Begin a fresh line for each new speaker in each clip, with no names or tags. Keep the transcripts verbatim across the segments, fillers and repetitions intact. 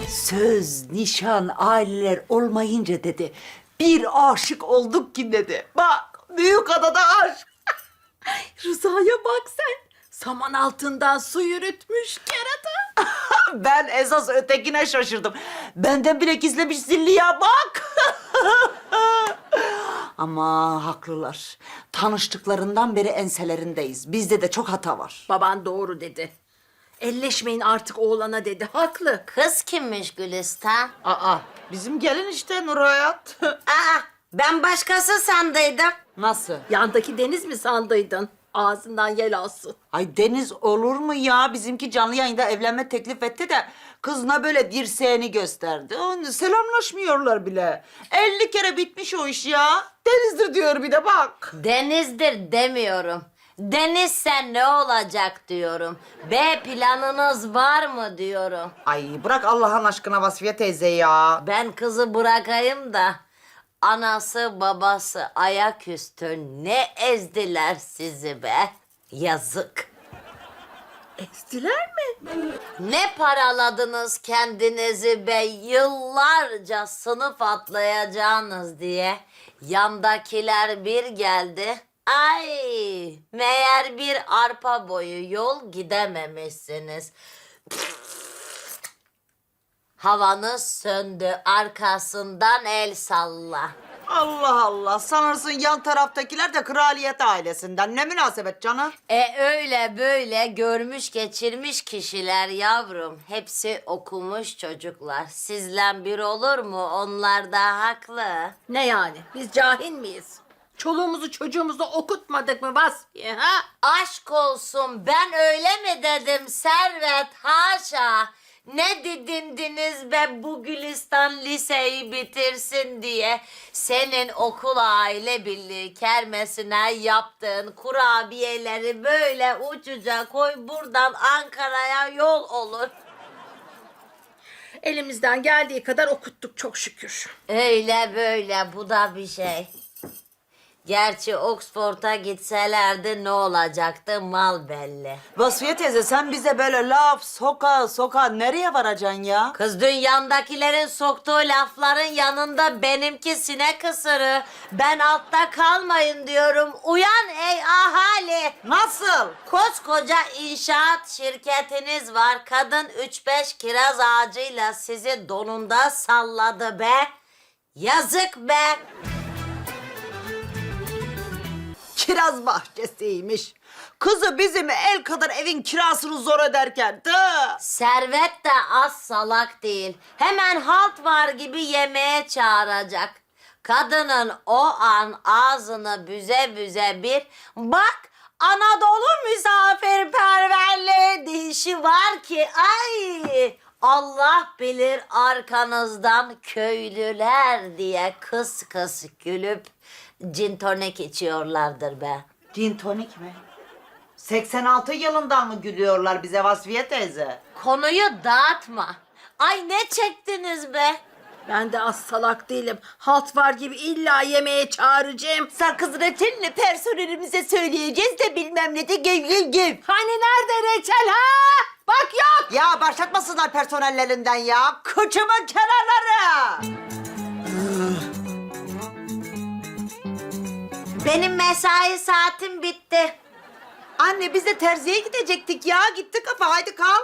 Söz, nişan, aileler olmayınca dedi. Bir aşık olduk ki dedi. Bak, büyük adada aşk.
Rıza'ya bak sen. Saman altından su yürütmüş kerata.
Ben esas ötekine şaşırdım. Benden bile gizlemiş zilliye bak. Ama haklılar. Tanıştıklarından beri enselerindeyiz. Bizde de çok hata var.
Baban doğru dedi. Elleşmeyin artık oğlana dedi. Haklı.
Kız kimmiş Gülistan?
Aa, bizim gelin işte Nur Hayat.
Aa, ben başkası sandıydım.
Nasıl?
Yandaki Deniz mi sandıydın? Ağzından yel alsın.
Ay Deniz olur mu ya? Bizimki canlı yayında evlenme teklif etti de kızına böyle dirseğini gösterdi. Onu selamlaşmıyorlar bile. elli kere bitmiş o iş ya. Deniz'dir diyor bir de bak.
Deniz'dir demiyorum. Denizse ne olacak diyorum. B planınız var mı diyorum.
Ay bırak Allah'ın aşkına Vasfiye teyze ya.
Ben kızı bırakayım da anası babası ayaküstü ne ezdiler sizi be. Yazık.
Ezdiler mi?
Ne paraladınız kendinizi be yıllarca sınıf atlayacağınız diye. Yandakiler bir geldi. Ay meğer bir arpa boyu yol gidememişsiniz. Havanız söndü arkasından el salla.
Allah Allah. Sanırsın yan taraftakiler de kraliyet ailesinden. Ne münasebet canım?
E öyle böyle görmüş geçirmiş kişiler yavrum. Hepsi okumuş çocuklar. Sizle bir olur mu? Onlar da haklı.
Ne yani? Biz cahil miyiz? Çoluğumuzu çocuğumuzu okutmadık mı Vasfiye ha?
Aşk olsun ben öyle mi dedim Servet haşa. Ne didindiniz be bu Gülistan liseyi bitirsin diye. Senin okul aile birliği kermesine yaptığın kurabiyeleri böyle ucuca koy buradan Ankara'ya yol olur.
Elimizden geldiği kadar okuttuk çok şükür.
Öyle böyle bu da bir şey. Gerçi Oxford'a gitselerdi ne olacaktı mal belli.
Vasfiye teyze sen bize böyle laf soka soka nereye varacaksın ya?
Kız dünyandakilerin soktuğu lafların yanında benimki sinek ısırı. Ben altta kalmayın diyorum. Uyan ey ahali.
Nasıl?
Koskoca inşaat şirketiniz var. Kadın üç beş kiraz ağacıyla sizi donunda salladı be. Yazık be.
Kiraz bahçesiymiş. Kızı bizim el kadar evin kirasını zor öderken. Tı.
Servet de az salak değil. Hemen halt var gibi yemeğe çağıracak. Kadının o an ağzını büze büze bir bak Anadolu misafirperverliği dişi var ki ay Allah bilir arkanızdan köylüler diye kıs kıs gülüp cin tonik içiyorlardır be.
Gin tonik mi? seksen altı yılından mı gülüyorlar bize Vasfiye teyze?
Konuyu dağıtma. Ay ne çektiniz be?
Ben de az salak değilim. Halt var gibi illa yemeğe çağıracağım.
Sakız reçelini personelimize söyleyeceğiz de bilmem ne de gev gev gev.
Hani nerede reçel ha? Bak yok.
Ya başlatmasınlar personellerinden ya. Kıçımın kenarları.
Benim mesai saatim bitti.
Anne biz de terziye gidecektik ya. Gitti kafa haydi kal.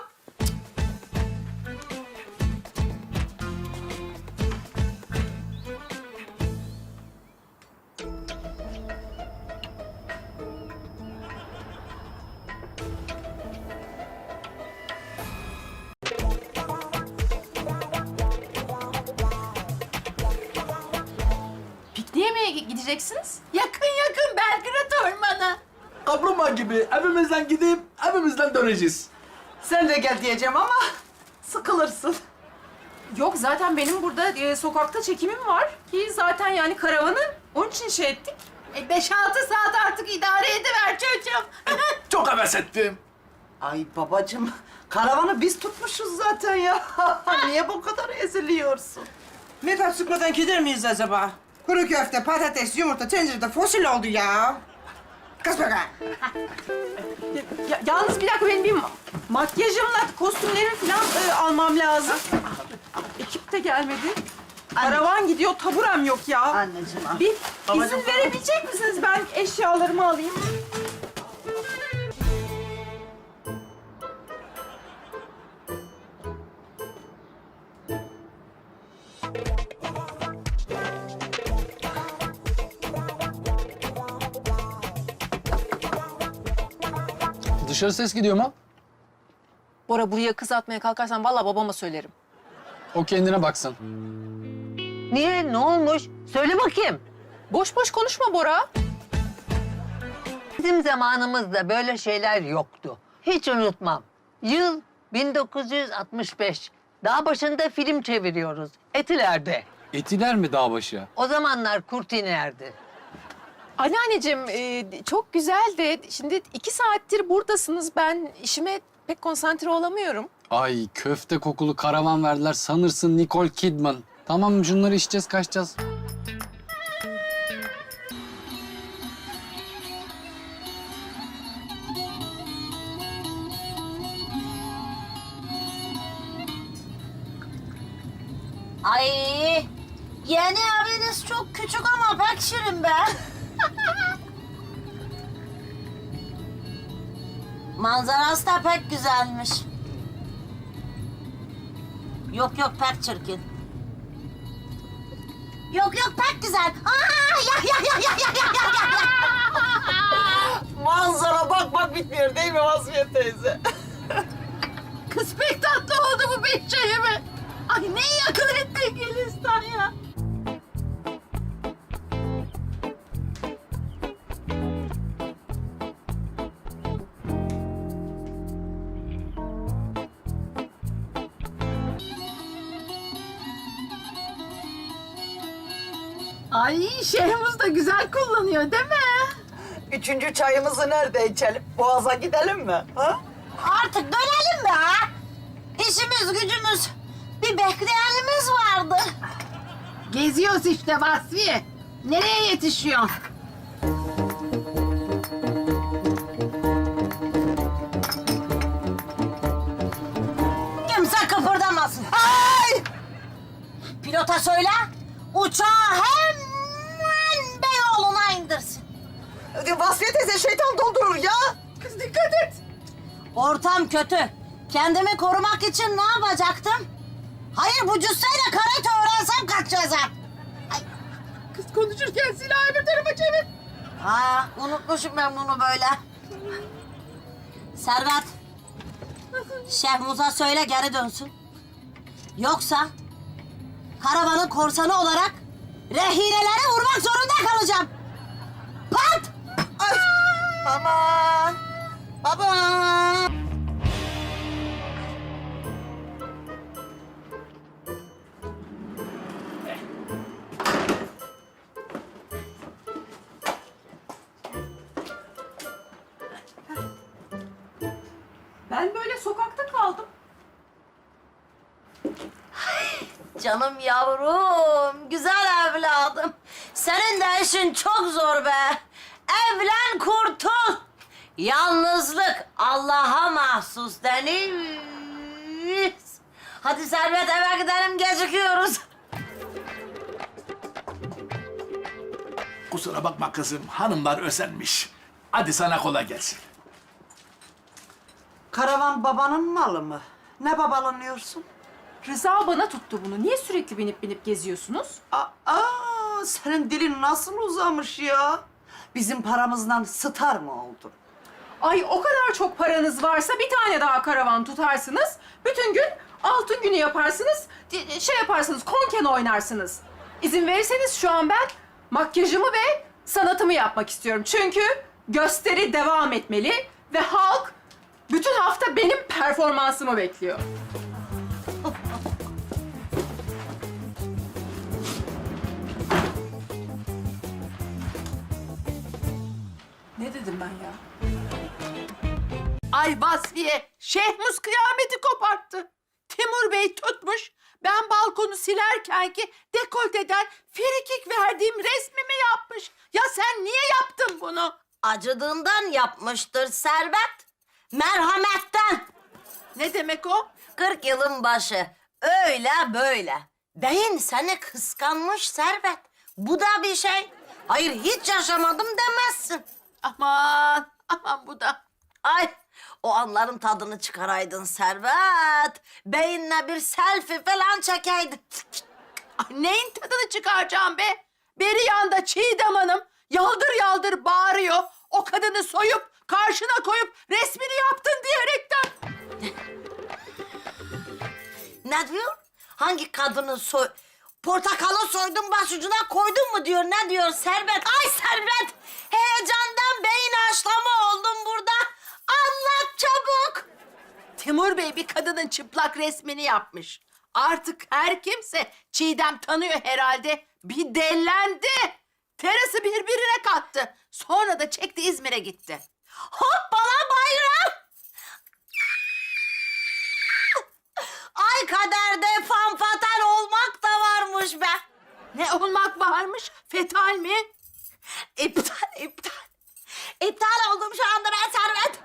Pikniğe mi gideceksiniz?
Yakın yakın Belgrad Ormanı.
Kaplumbağa gibi evimizden gidip evimizden döneceğiz.
Sen de gel diyeceğim ama sıkılırsın.
Yok zaten benim burada e, sokakta çekimim var ki zaten yani karavanı onun için şey ettik.
E beş altı saat artık idare ediver çocuğum.
Çok heves ettim.
Ay babacığım karavanı biz tutmuşuz zaten ya. Niye bu kadar eziliyorsun?
Metal sıkmadan gider miyiz acaba? Kuru köfte, patates, yumurta tencerede fosil oldu ya. Kız bakalım.
Ya, yalnız bir dakika benim bir ma- makyajımla kostümlerimi falan e, almam lazım. de gelmedi. Karavan gidiyor, taburem yok ya.
Anneciğim al.
Bir
Babacığım,
izin verebilecek misiniz? Ben eşyalarımı alayım.
Dışarı ses gidiyor mu?
Bora buraya kız atmaya kalkarsan vallahi babama söylerim.
O kendine baksın.
Niye? Ne olmuş? Söyle bakayım.
Boş boş konuşma Bora.
Bizim zamanımızda böyle şeyler yoktu. Hiç unutmam. Yıl bin dokuz yüz altmış beş. Dağ başında film çeviriyoruz. Etiler'de.
Etiler mi dağbaşı?
O zamanlar kurt inerdi.
Anneanneciğim e, çok güzel de şimdi iki saattir buradasınız. Ben işime pek konsantre olamıyorum.
Ay köfte kokulu karavan verdiler sanırsın Nicole Kidman. Tamam şunları içeceğiz kaçacağız.
Ay yeni eviniz çok küçük ama pek şirin be. Manzarası da pek güzelmiş. Yok yok pek çirkin. Yok yok pek güzel. Aa, ya ya ya ya ya ya ya ya.
Manzara bak bak bitmiyor değil mi Vasfiye teyze?
Kız pek tatlı oldu bu Behçe'ye mi? Ay ne iyi akıl ettin Gülistan ya. Ay Şehmuz da güzel kullanıyor değil mi?
Üçüncü çayımızı nerede içelim? Boğaz'a gidelim mi? Ha?
Artık dönelim be ha. İşimiz gücümüz bir bekleyenimiz vardı.
Geziyoruz işte Vasfiye. Nereye yetişiyorsun?
Kimse kıpırdamasın. Ay! Pilota söyle, uçağı hemen Beyoğlu'na indirsin.
Vasfiye teyze şeytan doldurur ya.
Kız dikkat et. Ortam kötü. Kendimi korumak için ne yapacaktım? Hayır bu cüsseyle karate öğrensem kaç cezam.
Kız konuşurken silahı bir tarafa çevir.
Aa, unutmuşum ben bunu böyle. Servet, Şehmuz'a söyle geri dönsün. Yoksa karavanın korsanı olarak rehineleri vurmak zorunda kalacağım. Pat!
Ay. Aman. Baba.
Ben böyle sokakta kaldım.
Canım yavrum, güzel evladım. Senin de işin çok zor be. Evlen kurtul. Yalnızlık Allah'a mahsus deniz. Hadi Servet eve gidelim, gecikiyoruz.
Kusura bakma kızım hanımlar özenmiş. Hadi sana kolay gelsin.
Karavan babanın malı mı? Ne babalanıyorsun?
Rıza bana tuttu bunu. Niye sürekli binip binip geziyorsunuz?
Aa, senin dilin nasıl uzamış ya? Bizim paramızdan star mı oldun?
Ay o kadar çok paranız varsa bir tane daha karavan tutarsınız. Bütün gün altın günü yaparsınız. di- Şey yaparsınız, konken oynarsınız. İzin verirseniz şu an ben makyajımı ve sanatımı yapmak istiyorum. Çünkü gösteri devam etmeli ve halk bütün hafta benim performansımı bekliyor. Ne dedim ben ya?
Ay Vasfiye, Şehmuz kıyameti koparttı. Timur Bey tutmuş, ben balkonu silerken ki dekolteden frikik verdiğim resmimi yapmış. Ya sen niye yaptın bunu?
Acıdığından yapmıştır Servet. Merhametten.
Ne demek o?
Kırk yılın başı. Öyle böyle. Beyin seni kıskanmış Servet. Bu da bir şey. Hayır hiç yaşamadım demezsin.
Aman, aman bu da.
Ay o anların tadını çıkaraydın Servet. Beyinle bir selfie falan çekeydin.
Ay, neyin tadını çıkaracağım be? Beri yanda Çiğdem Hanım yaldır yaldır bağırıyor. O kadını soyup karşına koyup resmini yaptın diyerekten.
Ne diyor? Hangi kadını soy... Portakalı soydun başucuna koydun mu diyor. Ne diyor Servet? Ay Servet! Heyecandan beyin haşlama oldum burada. Anlat çabuk.
Timur Bey bir kadının çıplak resmini yapmış. Artık her kimse Çiğdem tanıyor herhalde. Bir dellendi. Terası birbirine kattı. Sonra da çekti İzmir'e gitti.
Hoppala bayram! Ay kaderde fanfatal olmak da varmış be.
Ne olmak varmış? Fetal mi?
İptal, iptal. İptal oldum şu anda ben Servet.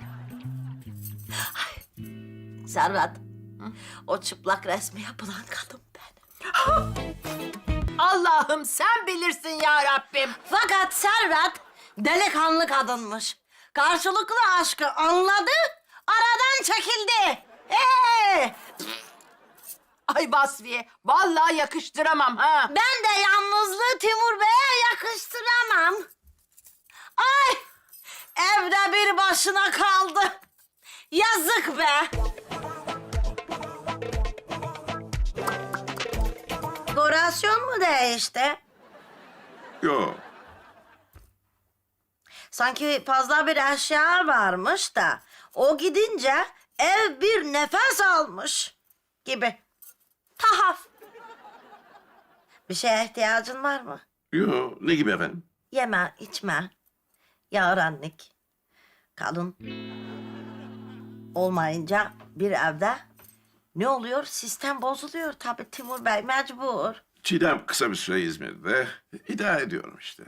Ay, Servet. O çıplak resmi yapılan kadın benim.
Allah'ım sen bilirsin ya Rabbim.
Fakat Servet delikanlı kadınmış. Karşılıklı aşkı anladı, aradan çekildi. Ee,
Ay Vasfiye, vallahi yakıştıramam ha.
ben de yalnızlığı Timur Bey'e yakıştıramam. Ay, evde bir başına kaldı. Yazık be. Dekorasyon mu değişti?
Yok.
Sanki fazla bir eşya varmış da o gidince ev bir nefes almış gibi. Tahaf. Bir şeye ihtiyacın var mı?
Yok. Ne gibi efendim?
Yeme, içme. Yarenlik. Kadın olmayınca bir evde ne oluyor? Sistem bozuluyor tabii Timur Bey mecbur.
Çiğdem kısa bir süre İzmir'de. İdare ediyorum işte.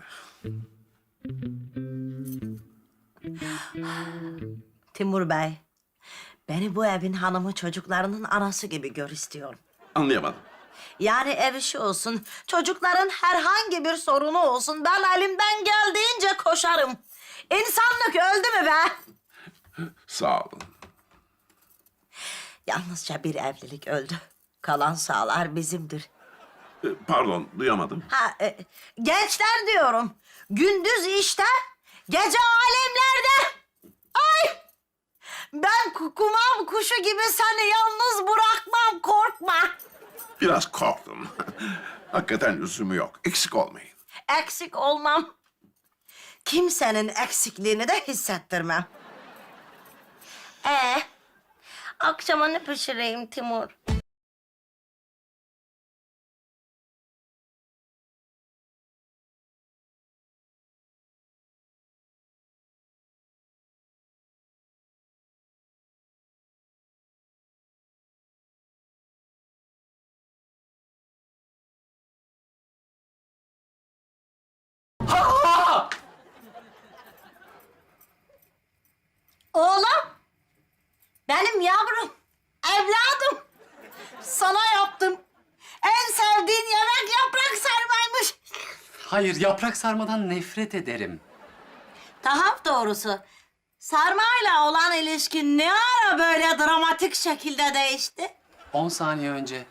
Timur Bey, beni bu evin hanımı çocuklarının anası gibi gör istiyorum.
Anlayamadım.
Yani ev işi olsun, çocukların herhangi bir sorunu olsun, ben elimden geldiğince koşarım. İnsanlık öldü mü be?
Sağ olun.
Yalnızca bir evlilik öldü. Kalan sağlar bizimdir.
Ee, Pardon, duyamadım.
Ha, e, gençler diyorum. Gündüz işte, gece alemlerde. Ay! Ben kukumam kuşu gibi seni yalnız bırakmam, korkma.
Biraz korktum. Hakikaten lüzumu yok. Eksik olmayın.
Eksik olmam. Kimsenin eksikliğini de hissettirmem. Ee, akşama ne pişireyim Timur? Oğlum, benim yavrum, evladım. Sana yaptım. En sevdiğin yemek yaprak sarmaymış.
Hayır, yaprak sarmadan nefret ederim.
Tahap doğrusu. Sarmayla olan ilişkin ne ara böyle dramatik şekilde değişti?
On saniye önce.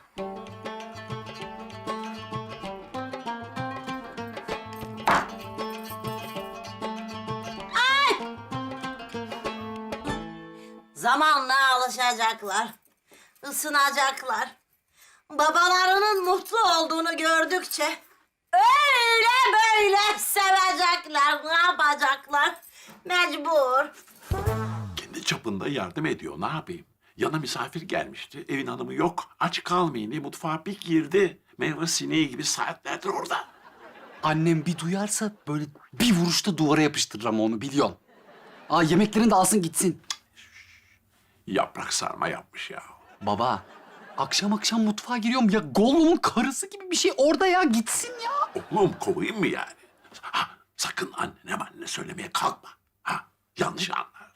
Zamanla alışacaklar, ısınacaklar. Babalarının mutlu olduğunu gördükçe öyle böyle sevecekler, ne yapacaklar? Mecbur.
Kendi çapında yardım ediyor. Ne yapayım? Yana misafir gelmişti. Evin hanımı yok. Aç kalmayın diye mutfağa bir girdi. Meyve sineği gibi saatlerdir orada.
Annem bir duyarsa böyle bir vuruşta duvara yapıştırırım onu, biliyorsun. Aa, yemeklerini de alsın gitsin.
Yaprak sarma yapmış ya.
Baba, akşam akşam mutfağa giriyorum ya, Gollum'un karısı gibi bir şey orada ya, gitsin ya.
Oğlum kovayım mı yani? Ha, sakın annene annene söylemeye kalkma. Ha, yanlış anlar.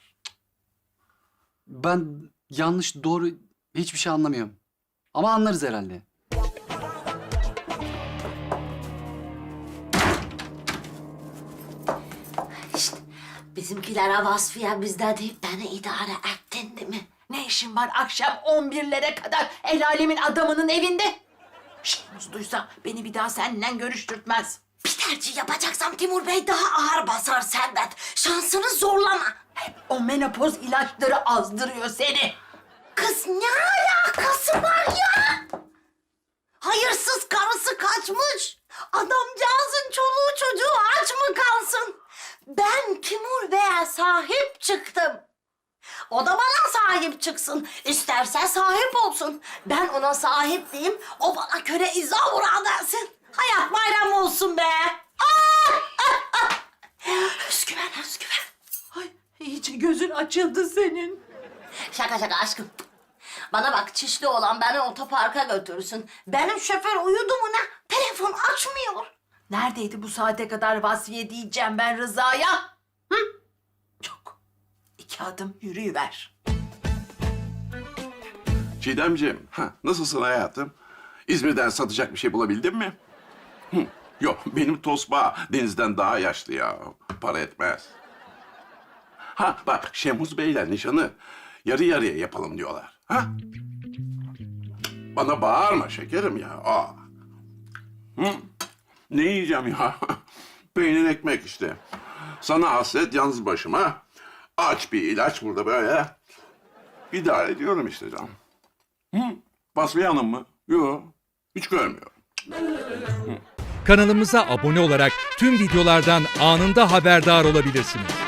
Ben yanlış doğru hiçbir şey anlamıyorum. Ama anlarız herhalde.
Bizimkilere Vasfiye bizde deyip beni idare ettin değil mi?
Ne işin var akşam on birlere kadar el alemin adamının evinde? Şehmus duysa beni bir daha seninle görüştürtmez.
Bir tercih yapacaksam Timur Bey daha ağır basar Servet. Şansını zorlama.
Hep o menopoz ilaçları azdırıyor seni.
Kız ne alakası var ya? Hayırsız karısı kaçmış. Adamcağızın çoluğu çocuğu aç mı kalsın? Ben Timur Bey'e sahip çıktım. O da bana sahip çıksın. İsterse sahip olsun. Ben ona sahip diyeyim, o bana köre izah uğra dersin. Hayat bayram olsun be. Aa! Ah, ah. Özgüven, özgüven.
Ay iyice gözün açıldı senin.
Şaka şaka aşkım. Bana bak, çişli olan beni otoparka götürsün. Benim şoför uyudu mu ne? Telefon açmıyor.
Neredeydi bu saate kadar Vasfiye diyeceğim ben Rıza'ya? Hı? Çok. İki adım yürüyüver.
Çiğdemciğim, ha, nasılsın hayatım? İzmir'den satacak bir şey bulabildin mi? Hı, yok, benim tosba Deniz'den daha yaşlı ya. Para etmez. Ha bak, Şemuz Bey'le nişanı yarı yarıya yapalım diyorlar. Ha? Bana bağırma şekerim ya. Aa. Hı? Ne yiyeceğim ya? Peynir ekmek işte. Sana hasret yalnız başıma. Aç bir ilaç burada böyle. İdare ediyorum işte canım. Hı? Vasfiye Hanım mı? Yok. Hiç görmüyorum.
Kanalımıza abone olarak tüm videolardan anında haberdar olabilirsiniz.